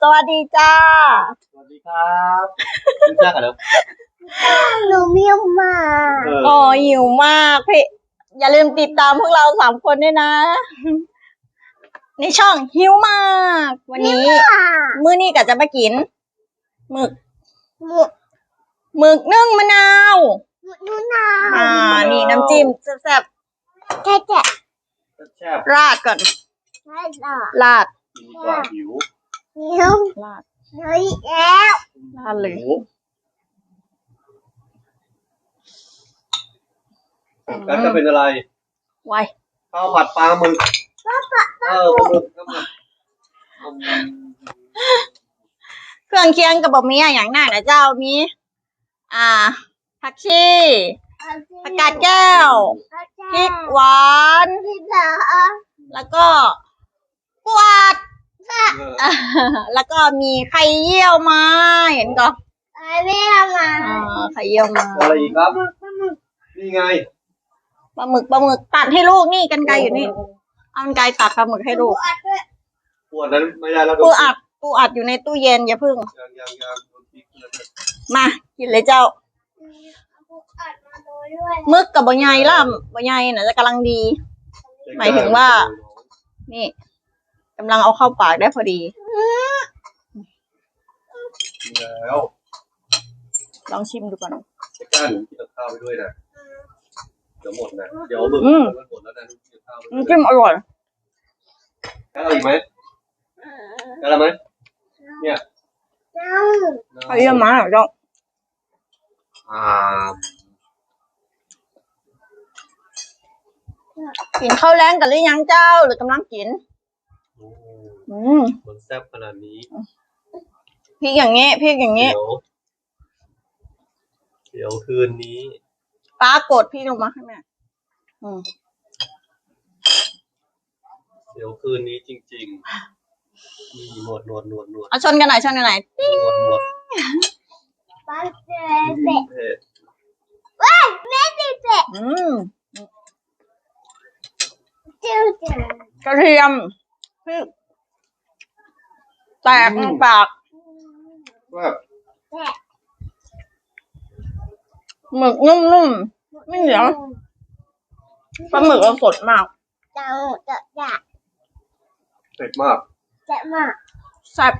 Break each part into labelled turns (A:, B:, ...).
A: สวัสดีจ้า
B: สวัสดีครับรู้จักกันแล้ว
C: หนูเมียวมา
A: อ๋อหิวมากพี่อย่าลืมติดตามพวกเรา3 คนด้วยนะ ในช่องหิวมาก วันนี้ มื้อนี้ก็จะมากินหมึก หมึกนึ่งมะนาว
C: นูนา
A: นี่น้ำจิ้มแซ่บ
C: แค่แค่
B: แซ่บ
A: ๆราดก่อน
C: ไม่หรอก
A: ราด
B: กินกว่าหิว
C: เมียว
A: ราด
C: เฮ้ยแล้ว
A: ราดเลย
B: กันจะเป็นอะไร
A: ไว
B: ข้าวผัดปลาหมึกปลาหมึกก็มา
A: เครื่องเคียงกับบะหมี่อย่างหน้านะเจ้ามีผักชีผักกาดแก้วพริกหวาน
C: พี่เหรอ
A: แล้วก็กวาด แล้วก็มีไข่เยี่ยวมาเห็นก่อน
C: ไม่ทำมา
A: ไข่เยี่ยวมา
B: อะไรอีกครับนี่ไง
A: ปลาหมึกตัดให้ลูกนี่กรรไกรอยู่นี่เอากรรไกรตัดปลาหมึกให้ลูก
B: ปวดนั้นไม่ได้แล้ว
A: ปูอัดอยู่ในตู้เย็นอย่าพึ่ง
B: ยังโดนพริกเลย
A: มากินเลยเจ้า
C: อัดมาด้วย
A: หมึกกับบะไยล่ะบะไยน่ะจะกำลังดี หมายถึงว่า นี่กำลังเอาเข้าปากได้พอดี
B: แล้ว
A: ลองชิมดูก่อน
B: จะกล้าหนูกินกับข้าวไปด้วยนะเดี๋ยวหมดนะเดี๋ยวหมึกมันหมดแล้วนะกินกับข้าวไปด้วย
A: น้ำจิ้มอร่อย
B: แค่อะไรอีกไหมแค่อะไรไหมเนี่ย
C: น้
A: ไข่เยี่ยวมาเหรอเจ้า
B: อ่า
A: กินข้าวแรงกันหรือยังเจ้าหรือกำลังกิน
B: มันแซ่บขนาดนี้
A: พริกอย่างเงี้ย
B: เดี๋ยวคืนนี้
A: ป้ากดพี่ลงมาให้แม่
B: เดี๋ยวคืนนี้จริงๆนี่หนวด
A: เอาชนกันหน่อย
B: หนวด
C: ำป้าเจ๊เจ๊
B: เผ็ด
C: ว้ายแม่ติดเจ๊ เจ้าเจ้าก
A: ระเทียมพริกแตกในปาก
B: ว่า
C: แจ๊
A: หมึกนุ่มๆไม่เหนียวปลาหมึกเราสดมาก
C: เจ้าเจ้าเจ้า
B: เผ็ดมาก
C: เจ๊มา
A: แซ่บ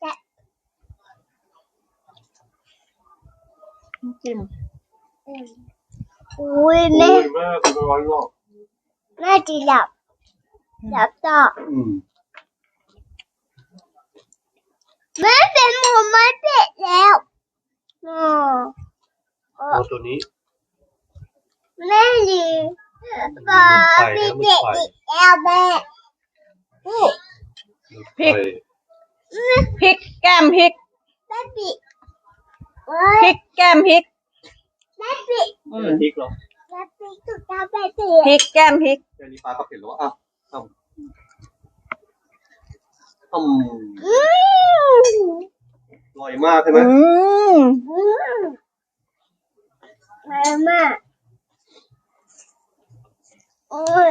A: จิ้ม
C: อุ้ย
B: โอ้
C: แม่
B: ยแม่คุณร้อนหรอก
C: แม่จีหลับต่อแม่เป็นหมูไม่เผ็ดแล้วอ๋อ
B: ตัวนี้
C: แม่ดีป้าพี่เด็กอีกแล้วแม่
A: พริกแก้มพริก
C: แม่ปิด
A: พริกแก้มพริก
C: แม่ปิด
B: พริกเหรอ
C: แม่ปิดถูกต้องแม่ปิ
A: พริกแก้มพริก
B: แค่นี้ปลาก็เผ็ดแล้วอ่ะอร่อยมากใช่ไหม
C: แม่มาโอ้ย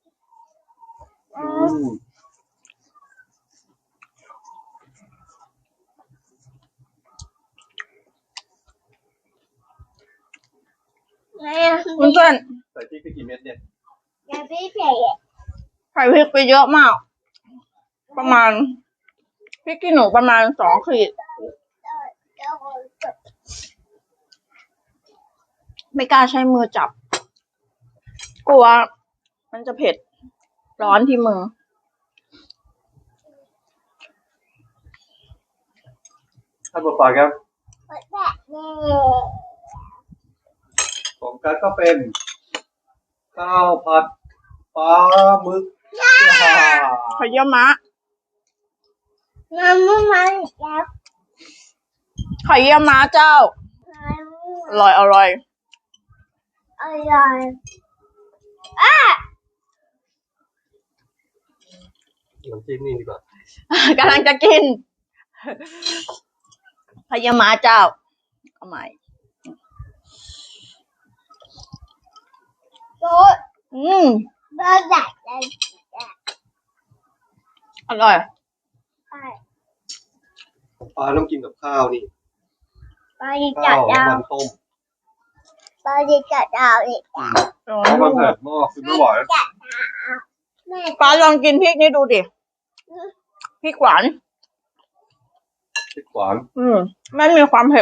C: แม่
A: เพื่อน
B: ใส่พริกไปกี่เม็ดเนี่ย
C: แม่ปิดเผ็ด
A: ๆใส่พริกไปเยอะมาก ประมาณพริกขี้หนูประมาณ2 ขีด ไม่กล้าใช้มือจับ กลัวมันจะเผ็ดร้อนที่มือ
B: ท่านผู้ฟังครับ
C: แบบนี้
B: ของกันก็เป็นข้าวผัดปลาหมึก
A: ไข่เยี่ยวม้า
C: น้ำมันแล้ว
A: ไข่เยี่ยวม้าเจ้า อร่อย
C: อร่อยอ่ะ
B: น้ำจิ้มนี่ดีกว่า
A: กำลังจะกินไข่เยี่ยวม้าเจ้า เอาใหม่
C: โต๊ะเบอร์ใหญ่เลย
A: อร่อย
C: ใช่
B: ปลาต้องกินกับข้าวนี่
C: ปลาดิจั
B: ข้า
C: ด
B: ว
C: ดาว
B: มันต้ม
C: ปลาดิจัดดาวอีก
B: เพราะมันเผ็ดมากคือไม่ไหว
C: แม่
A: ป้าลองกินพริกนี่ดูดิพริกหวาน
B: พริกหวาน
A: ไม่มีความเผ็ด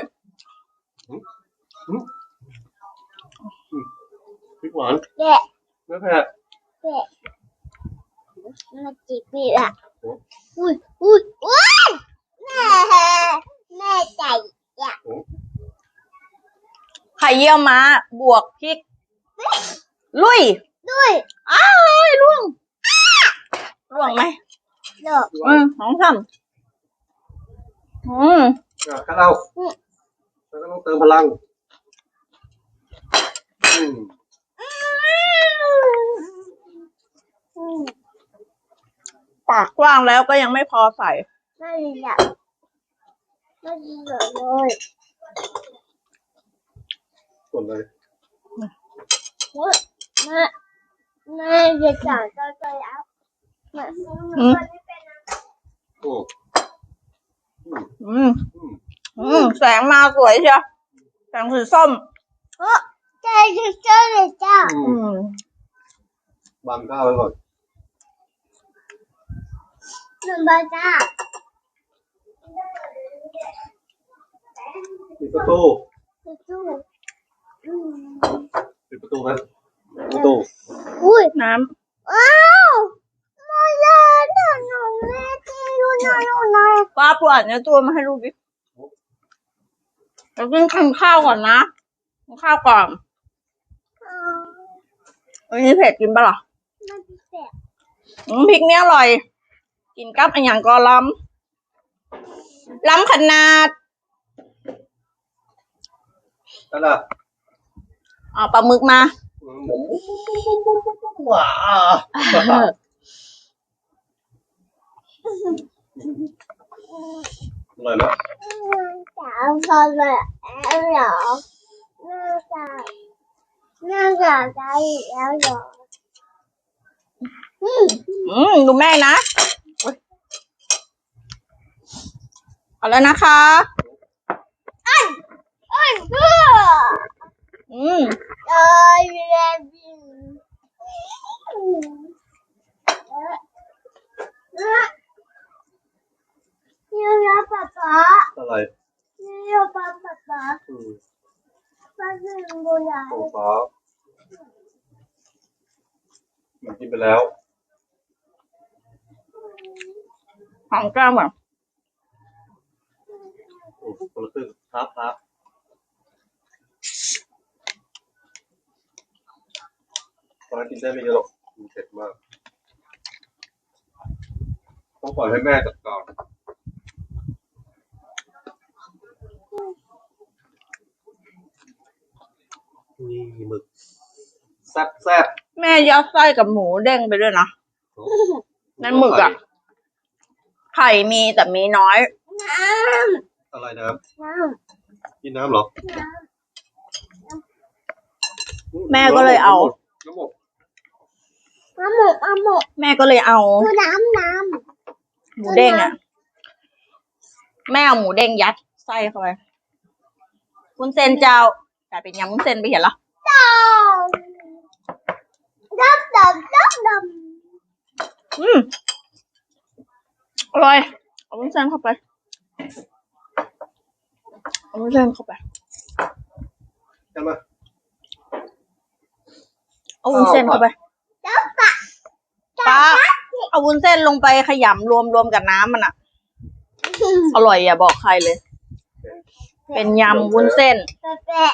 B: พริกหวาน
C: แกะ
B: ไม่เผ็ด
C: แกะมาจีบพี่ละอุ้ยอุ้ยอุ้ยแม่ใจอ่ะ
A: ไข่เยี่ยวม้าบวกพริก ลุย
C: ด้วย
A: อ้ายล่วงล่วงไหม
C: เลิก
A: สองสาม
B: ข้าวเราแล้วก็ต้องเติมพลัง
A: ปากกว้างแล้วก็ยังไม่พอใส่
C: ไม่อยากไม่อยากเลย
B: ส่วนเลย
C: แม่จะจ่ายก็จะแล้วแม่
A: แสงมาสวยเชียวแสงสีส้ม
C: ใจจะเจอเลยจ้า
B: บังข้าวไว้ก่อน
C: หนึ่งบาทจ้า
B: ปิดประตู
C: สู้
B: ปิดประตูไหมประตู
C: อุ้ย
A: น้
C: อ้าวมาเลยหนูแม่ที่อยู่ไหนอยู่ไหน
A: ำป้าปวดเนื้อตัวมาให้ลูกดิแล้วกินข้าวก่อนนะกินข้าวก่อนอันนี้เผ็ดกินปะล่ะ
C: มันพิเศษ
A: พริกเนี้ยอร่อย กินกับอันอย่างก็ล้ำขนาด
B: นั่นน่ะ
A: เอาปลาหมึกมา
B: หมูว้าอร่อยนะ
C: สาวพอเลยแล้วเหรอน่าจะได้แล้วเหรอ
A: ดูแม่นะเอาแล้วนะคะ
C: เพื่อเลยเรียนนี่นะป๊าป๊า
B: อะไร
C: นี่ป๊าป๊าป๊าเป็นบุญใหญ่
B: โอ้ฟ้ากินไปแล้ว
A: หอมแก้มอ่ะ
B: โอ้คนละครึ่งครับตอนนั้นกินได้ไม่เยอะหรอกมันเผ็ดมากต้องปล่อยให้แม่จัดการนี่หมึกแซ่บ
A: แม่ยัดไส้กับหมูเด้งไปด้วยนะ ในหมึกอ่ะ ไข่มีแต่มีน้อย
C: น้
B: อะไรน้
C: ำน้
B: ำกินน้ำเหรอ
A: แม่ก็เลยเอา
B: น้ำหมก
C: ำหมก
A: แม่ก็เลยเอา
C: คือน้ำ
A: หมูเด้งอ่ะ แม่เอาหมูเด้งยัดไส้เข้าไปวุ้นเส้นเจ้า แต่เป็นยำวุ้นเส้นไปเห็นเหรอ
C: ดำ
A: อร่อย เอาวุ้นเส้นเข้าไป เอาวุ้นเส้นเข้าไป
B: กันมา
A: เอาวุ้นเส้นเข้าไป ป้า เอาวุ้นเส้นลงไปขยำรวมกับน้ำมันอ่ะ อร่อยอย่าบอกใครเลย เป็นยำวุ้นเส้น
C: แปะ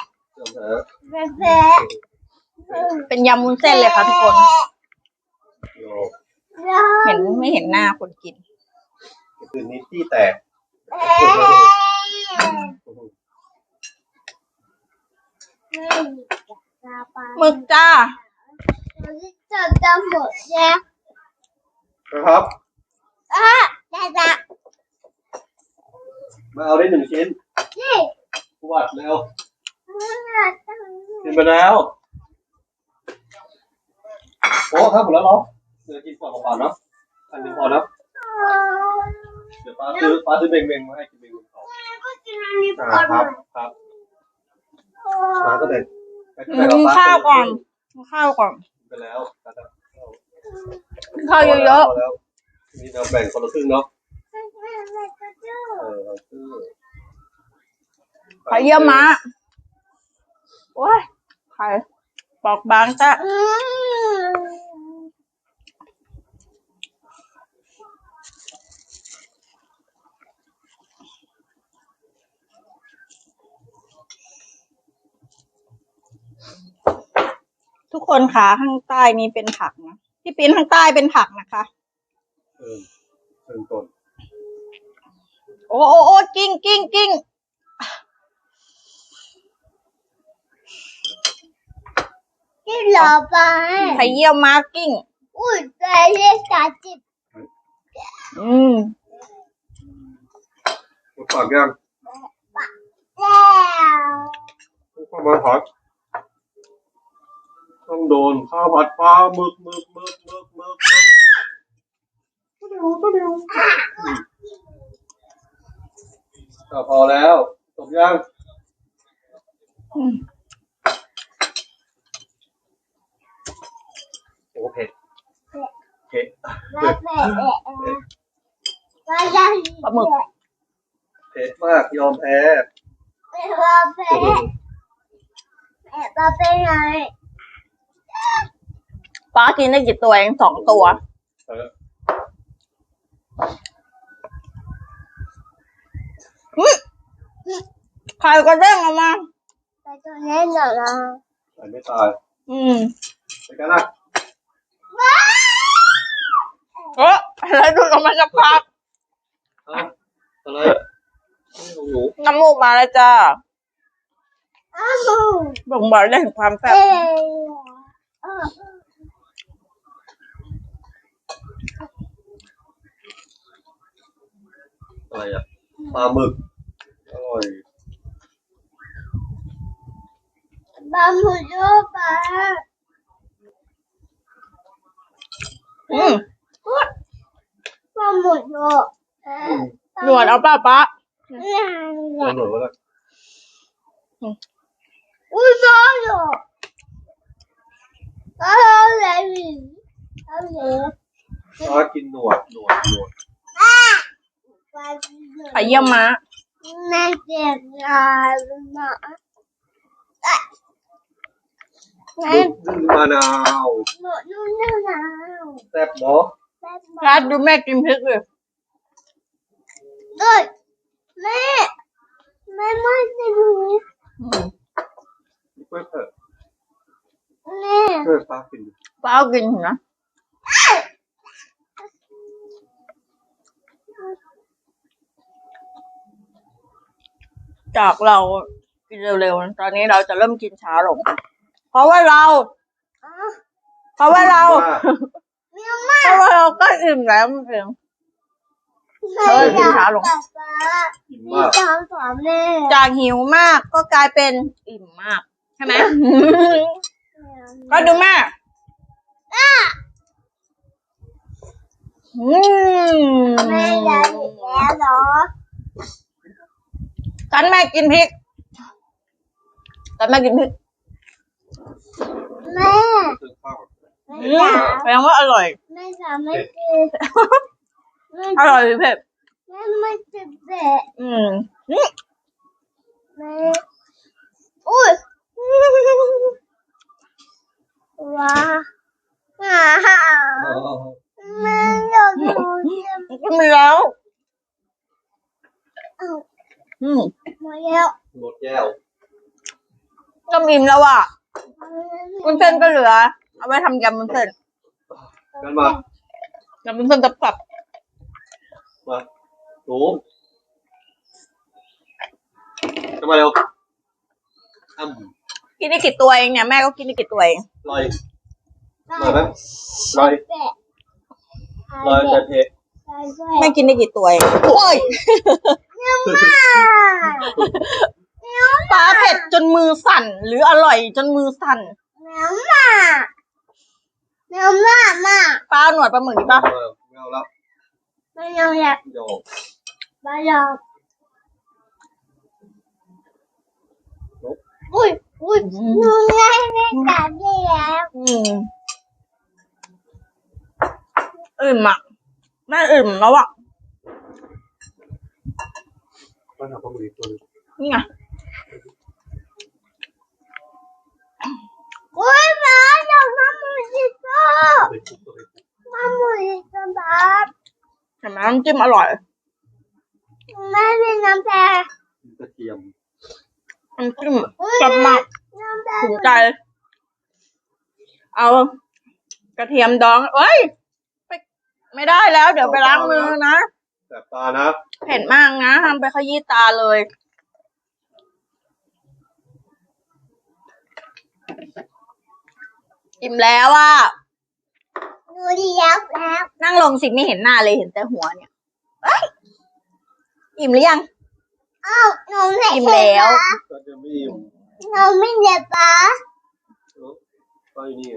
A: เป็นยำวุ้นเส้นเลยค่ะทุกคน เห็นไม่เห็นหน้าคนกิน
B: คืนนี้ที่แตก
A: หมึกจ้า
C: จะหมดแล้ว
B: นะครับ
C: จะ
B: มาเอาได้1 ชิ้น
C: นี่
B: วัดเร็วกินไปแล้วโอ้ถ้าหมดแล้วเหรอเดี๋ยวกินก่อนเปล่าๆเนาะอันหนึงพอนะเดี๋ยวป้าซื้อเบงๆมาให้กินเบงครับครับมาก็แบ่ง
A: ข้าวก่อนข้าวก่อน
B: ไปแล้ว
A: ข้าวเยอะ
B: แล้วนี่เราแบ่งคนละครึ่งเนาะคือ
A: ๆไข่เยี่ยวม้าโอ้ยไข่ปอกบางจ้ะทุกคนขาข้างใต้นี้เป็นผักนะพี่ปิ้นข้างใต้เป็นผักนะคะ
B: เริ่มต้น
A: โอ้โอ้โอ้กิ้งกิ้งกิ้ง
C: ที่หล่อไป
A: ไข่เยี่ยวม้ากิ้ง
C: อุ้ยไปเรียกตาจิบ
B: ปากยัง
C: แล้ว
B: ข้าวมันผัดต้องโดนข้าวผัดปลาหมึกพอแล้วจบยังโอ้เผ็ดเผ็ด
C: แล้วแม่แล้วยัง
A: ปลาหมึก
B: เผ็ดมากยอมแพ้
C: แม่ว่าแม่แม่ว่าเป็นไง
A: ป้ากินได้กี่ตัวเอง2 ตัวไข่ก็เด้งออกมา
C: แต่ตัวนี้หล่อละ
B: ไม่ตายไปกันนะ
A: แล้วดูดออกมาจากปาก
B: อะไรนี่ของหนู
A: น้ำมูกมาแล้วจ้า
C: อ้าว
A: บ่งบอกได้ถึงความแซ่บ
B: อะไรอ่ะปลาหมึกอร่อย
C: บะหมี่โยปลาบะหมี่โย
A: หนวดเอาป้าป้า
B: อร่อยมาก
C: อุ้ยบ้าเหรออะไรนี่อะไร
B: ปลากินหนวด
A: ไข่เยี่ยวม้า
C: แม่เจ็บยาหมาแม่
B: นึ่งมะนาว
C: หนูนู่นนี่นะ
B: แซ่บเนาะ
A: รัดดูแม่กินพริกเลย
C: เอ้ยแม่ไม่จะดู
B: เพื่อนเถอะ
C: แม่
B: เพื่อนปลากิน
A: ป้าเอากินนะ จากเรากินเร็วๆตอนนี้เราจะเริ่มกินช้าลง เพราะว่าเรา เพราะว่าเราก็อิ่มแล้วมันเอง
B: อิ่มมาก
C: สอนแม่
A: จากหิวมากก็กลายเป็นอิ่มมากใช่ไหม ก็ดูแม่
C: แม่อยากกินแล้วเหรอ
A: กันแม่กินพริกกันแม่กินพริก
C: แม่
B: ซื้อข้าว
A: แปลว่าอร่อย
C: แม่จะไม่กิน
A: อร่อยหรือเผ็ด
C: แม่ไม่จะเบ็ดแม่อุ้ยว้าแม่อยากดูเจ็บ
A: กินไปแล้ว
C: มาแล้ว
B: หมดแก้ว
A: ก็อิ่มแล้วอ่ะวุ้นเส้นก็เหลือ เอาไว้ทำยำวุ้นเส้น
B: กันมาย
A: ำวุ้นเส้นตับ
B: มาหนูกันมาเร็ว
A: กินได้กี่ตัวเองเนี่ยแม่ก็กินได้กี่ตัวเอง
B: ลอยไหมลอยแต่เผ็ด
A: แม่กินได้กี่ตัวเองโอ้ยป้าเผ็ดจนมือสั่นหรืออร่อยจนมือสั่น
C: แมวมา
A: ป้าหนวดปลาหมึกดิป้า
B: ไม่เอาแล้ว
C: ไม่ยอมอยาก
B: โยก
C: ไม่ยอมอุ้ยหนูง่ายไม่จับได้แล้ว
A: อิ่มอ่ะแม่อิ่มแล้วอ่ะ
B: ก็ทำข้อมือตัวนึง
A: นี่ไง
C: อุ้ยมาจับมามือสิพ่อ
B: ไปคุกตัวไปคุก
C: มามือสิครับ
A: เห็นไหมน้ำจิ้มอร่อย
C: แม่เป็นน้ำแดง
B: กระเทียม
A: น้ำจิ้มจับมาก
C: น้ำแดง
A: ถูกใจ เอากระเทียมดองเอ้ยไม่ได้แล้ว เดี๋ยวไปล้างมือนะ
B: แสบตานะ
A: เผ็ดมากนะทำไปขยี้ตาเลย อิ่มแล้วอ่ะ
C: หนูเลี้ยวแล้ว
A: นั่งลงสิไม่เห็นหน้าเลยเห็นแต่หัวเนี่ยเอ้ยอิ่มหรือยัง
C: อ้าวหนูไม่
A: อิ่ม
C: เห็น
A: แล้ว
C: นะ
B: ก็จะไม่อิ่ม
C: หนูไม่เห็นปะ
B: ก็อยู่นี่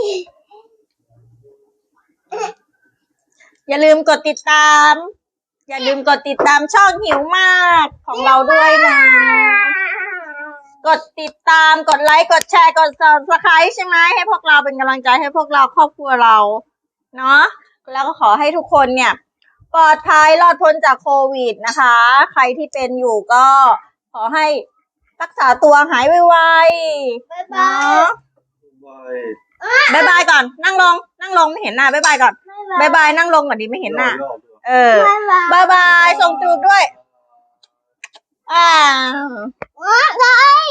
A: อย่าลืมกดติดตาม อย่าลืมกดติดตามช่องหิวมากของเราด้วยนะ กดติดตามกดไลค์กดแชร์กด subscribe ใช่ไหมให้พวกเราเป็นกำลังใจให้พวกเราครอบครัวเราเนาะแล้วก็ขอให้ทุกคนเนี่ยปลอดภัยรอดพ้นจากโควิดนะคะ ใครที่เป็นอยู่ก็ขอให้รักษาตัวหายไว
C: บ๊าย
A: ๆ
C: บา
A: เนาะ
B: ไป
A: บายบายก่อนนั่งลงไม่เห็นหน้าบายบายก่อนบายบายนั่งลงก่อนดิไม่เห็นหน้า
B: รอบๆ
A: เออ
C: บ๊ายบาย
A: บายบายส่งจูบด้วย อ่า
C: บ๊ายบาย